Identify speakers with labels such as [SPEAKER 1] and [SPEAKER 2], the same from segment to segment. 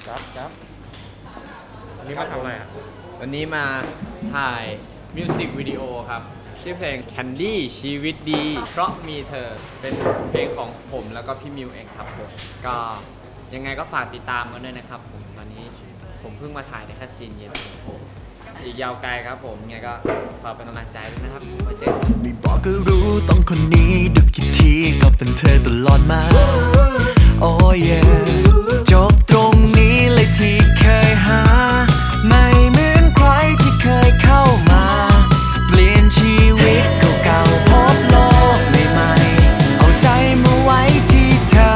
[SPEAKER 1] ครับวันนี้มาทำอะไรอ่ะ
[SPEAKER 2] วันนี้มาถ่ายมิวสิกวิดีโอครับชื่อเพลง Candy ชีวิตดีเพราะมีเธอเป็นเพลงของผมแล้วก็พี่มิวเองครับผมก็ยังไงก็ฝากติดตามกันด้วยนะครับผมวันนี้ผมเพิ่งมาถ่ายได้แค่ซีนเดียวอีกยาวไกลครับผมยังไงก็ฝากเป็นกำลังใจด้วยนะครับไว้เจอกัน
[SPEAKER 3] ไม่บอกก็รู้ต้องคนนี้ดูกี่ทีก็เป็นเธอตลอดมาโอ้ยจบตรงนี้เลยที่เคยหาไม่เหมือนใครที่เคยเข้ามาเปลี่ยนชีวิตเก่าๆพบโลกใหม่ๆเอาใจมาไว้ที่เธอ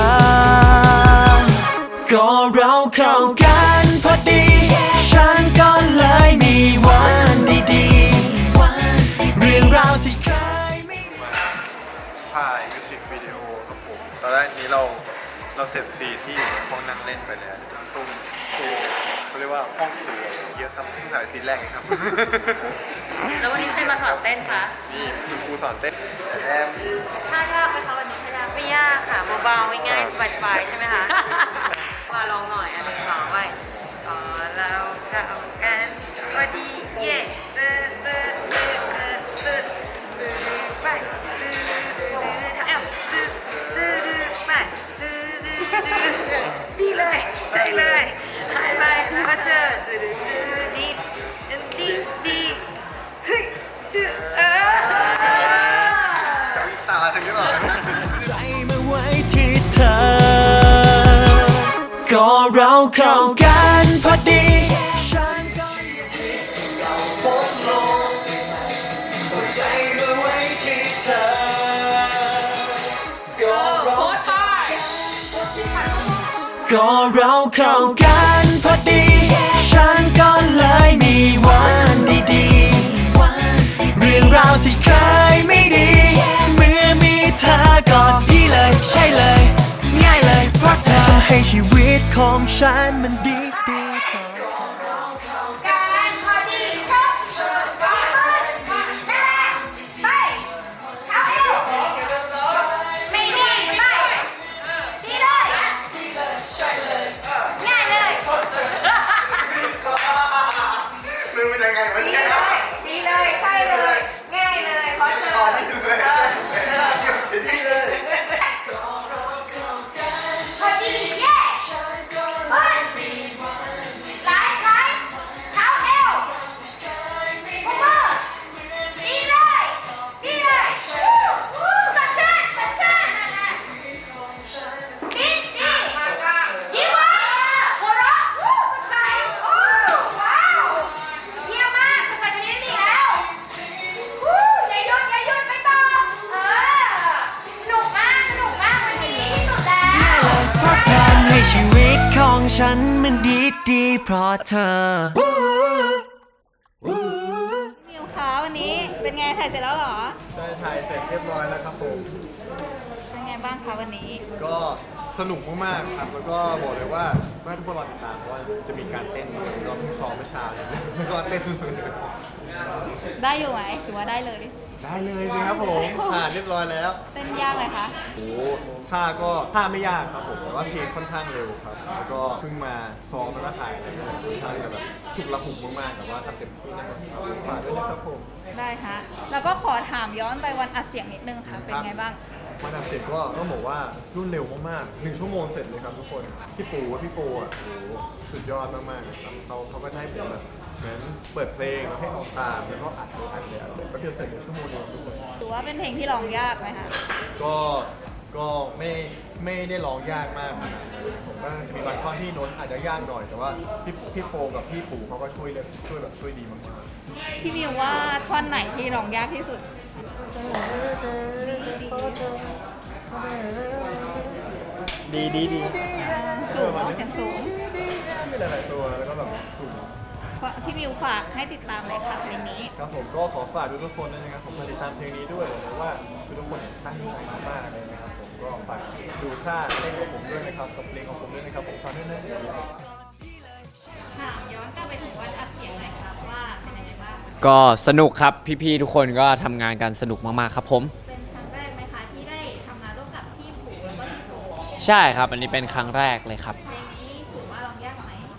[SPEAKER 3] ก็เราเข้ากันพอดีฉันก็เลยมีวันดีๆเรื่องราวที่เคยไม่
[SPEAKER 4] ถ่ายมิวสิกวิดีโอครับผมตอนแรกนี้เราเสร็จซีนที่อยู่ในห้องนั่งเล่นไปแล้วตรงเขาเรียกว่าห้องครัวเยอะครับเพิ่งถ่ายซีนแรกเองครับ
[SPEAKER 5] แล้ววันนี้ใครมาสอนเต้นคะ
[SPEAKER 4] นี่คุณครูสอนเต้นแอม
[SPEAKER 5] ท่ายากไหมคะวันนี้ท่ายากไม่ยากค่ะเบาๆง่ายๆสบายๆใช่ไหมคะ มาลองหน่อยอันหนึ่งสองไปเราเข้ากันพอดีเย่ไปแอมไปดีเลยใช่เลยหายไปแล้วก็เจอดีเฮ้ยจืด
[SPEAKER 4] แต่วิตาถึงได้หรอ
[SPEAKER 3] ใจมาไว้ที่เธอก็เราเข้ากันพอดีฉันก็พบโลกใจมาไว้ที่เธอก็เราเข้ากันพอดีฉันก็เลยมีวันดีๆเรื่องราวที่เคยไม่ดีเมื่อมีเธอกอดพี่เลยใช่เลยง่ายเลยเพราะเธอทำให้ชีวิตของฉันมันดี
[SPEAKER 5] การพอดีชอบไปเอาเอวไม่ดีไปดีเลยง่ายเลย
[SPEAKER 4] ลืมไปยังไงวะ
[SPEAKER 5] ดี
[SPEAKER 4] เนี่ย
[SPEAKER 5] เลยดีเลยใช่เลยง่ายเลยเพราะเธอ
[SPEAKER 4] นี่เลย
[SPEAKER 5] พอดีเย้เฮ้ยไล่เท้าเอวมือดีเลยสัญชาติดียิ้มว่าหัวเราะสดใสว้าวเยี่ยมมากสดใสกว่านี้ไม่มีแล้วอย่าหยุดไปต่อสนุกมากวันนี้ที่สุดแล้ว
[SPEAKER 3] เพราะเธอทำให้ชีวิตของฉันมันดีเพราะเธอ
[SPEAKER 6] มิวคะวันนี้เป็นไงถ่ายเสร็จแล้วเหรอ
[SPEAKER 4] ได้ถ่ายเสร็จเรียบร้อยแล้วครับผม
[SPEAKER 6] เป็นไงบ้างคะวันนี้
[SPEAKER 4] ก็สนุกมากๆครับแล้วก็บอกเลยว่าให้ทุกคนรอติดตามเพราะว่าจะมีการเต้นก็เพิ่งซ้อมเมื่อเช้าเลยแล้วก็เต้น
[SPEAKER 6] ได้อยู่ไหมถือว่าได้เลย
[SPEAKER 4] ได้เลยสิครับผมผ่านเรียบร้อยแล้ว
[SPEAKER 6] เต้นยากไหมคะ
[SPEAKER 4] โอ้ท่าไม่ยากครับผมแต่ว่าเพลงค่อนข้างเร็วครับแล้วก็เพิ่งมาซ้อมแล้วก็ถ่ายอะไรก็ค่อนข้างจะแบบฉุกละหุกมากๆแต่ว่าทำเต็มที่นะครับฝากด้วยนะครับผม
[SPEAKER 6] ได้ฮะแล้วก็ขอถามย้อนไปวันอัดเสียงนิดนึงค่ะ เป็นไงบ้าง
[SPEAKER 4] วันอัดเสร็จก็ต้องบอกว่ารุ่นเร็วมากๆ1 ชั่วโมงเสร็จเลยครับทุกคนพี่ปูกับพี่โฟอ่ะโอ้โหสุดยอดมากๆเลยครับเขาก็ได้ผมแบบเหมือนเปิดเพลงให้ออกตามแล้วก็อัดเลยก็เดียวเสร็จในชั่วโมงเดียวทุกคน
[SPEAKER 6] ถือว่าเป็นเพลงที่ร้องยากไหมคะ
[SPEAKER 4] ก็ไม่ได้ร้องยากมากขนาดนั้นผมว่าจะมีบางท่อนที่โน้ตอาจจะยากหน่อยแต่ว่าพี่โฟกับพี่ปู่เขาก็ช่วยดีมาก
[SPEAKER 6] พี่มิวว่าท่อนไหนที่ร้องยากที่สุด
[SPEAKER 1] ดี
[SPEAKER 6] สูงเสียงสูง
[SPEAKER 4] มีหลายๆตัวแล้วก็แบบสูง
[SPEAKER 6] พี่มิวฝากให้ติดตามเลยค่ะเพลงนี้
[SPEAKER 4] ครับผมก็ขอฝากทุกคนด้วยนะครับผมมาติดตามเพลงนี้ด้วยเพราะว่าทุกคนตั้งใจมากๆเลยนะครับผมก็ฝากดูท่าเต้นของผมด้วยนะครับกับเพลงของผมด้วยนะครับผมฝากด้วยนะ
[SPEAKER 6] ถามย้อนกลับไปถึงวันอัดเสียงหน่อยครับว่าเป็นยังไงบ้าง
[SPEAKER 2] ก็สนุกครับพี่ๆทุกคนก็ทำงานกันสนุกมากๆครับผม
[SPEAKER 6] เป็นครั้งแรกไหมคะที่ได้ทำงานร่วมกับพี่ผูแล้วก็พี่โฟ
[SPEAKER 2] ใช่ครับอันนี้เป็นครั้งแรกเลยครับ
[SPEAKER 6] เพลงนี้ถือว่าร้องยากไหม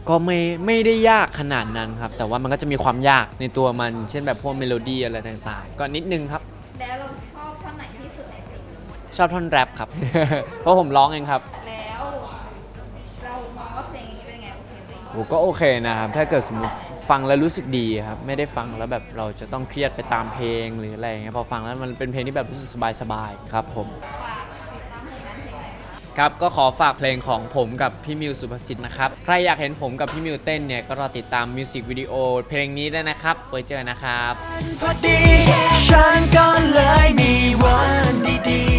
[SPEAKER 2] ก็ไม่ได้ยากขนาดนั้นครับ แต่ว่ามันก็จะมีความยากในตัวมัน เช่นแบบพวกเมโลดี้อะไรต่างๆ ก็นิดนึงครับ
[SPEAKER 6] แล้วเราชอบท่อนไหนที่สุดในเพลง
[SPEAKER 2] ชอบท่อนแรปครับ เพราะผมร้องเองครับ
[SPEAKER 6] แล้วเรามองว่าเพลงนี้เป็นไงโอเคไหม
[SPEAKER 2] โอ้ก็โอเคนะครับ ถ้าเกิดสมมติฟังแล้วรู้สึกดีครับ ไม่ได้ฟังแล้วแบบเราจะต้องเครียดไปตามเพลงหรืออะไรอย่างเงี้ย พอฟังแล้วมันเป็นเพลงที่แบบรู้สึกสบายๆครับผม
[SPEAKER 6] ฝากติดตามผลงานเพลงไหนคะ
[SPEAKER 2] ครับ ก็ขอฝากเพลงของผมกับพี่มิวสุภสิทธิ์นะครับ ใครอยากเห็นผมกับพี่มิวเต้นเนี่ย ก็รอติดตามมิวสิกวิดีโอเพลงนี้ด้วยนะครับ ไว้เจอนะครับ
[SPEAKER 3] พอดีฉันก็เลยมีวันดีๆ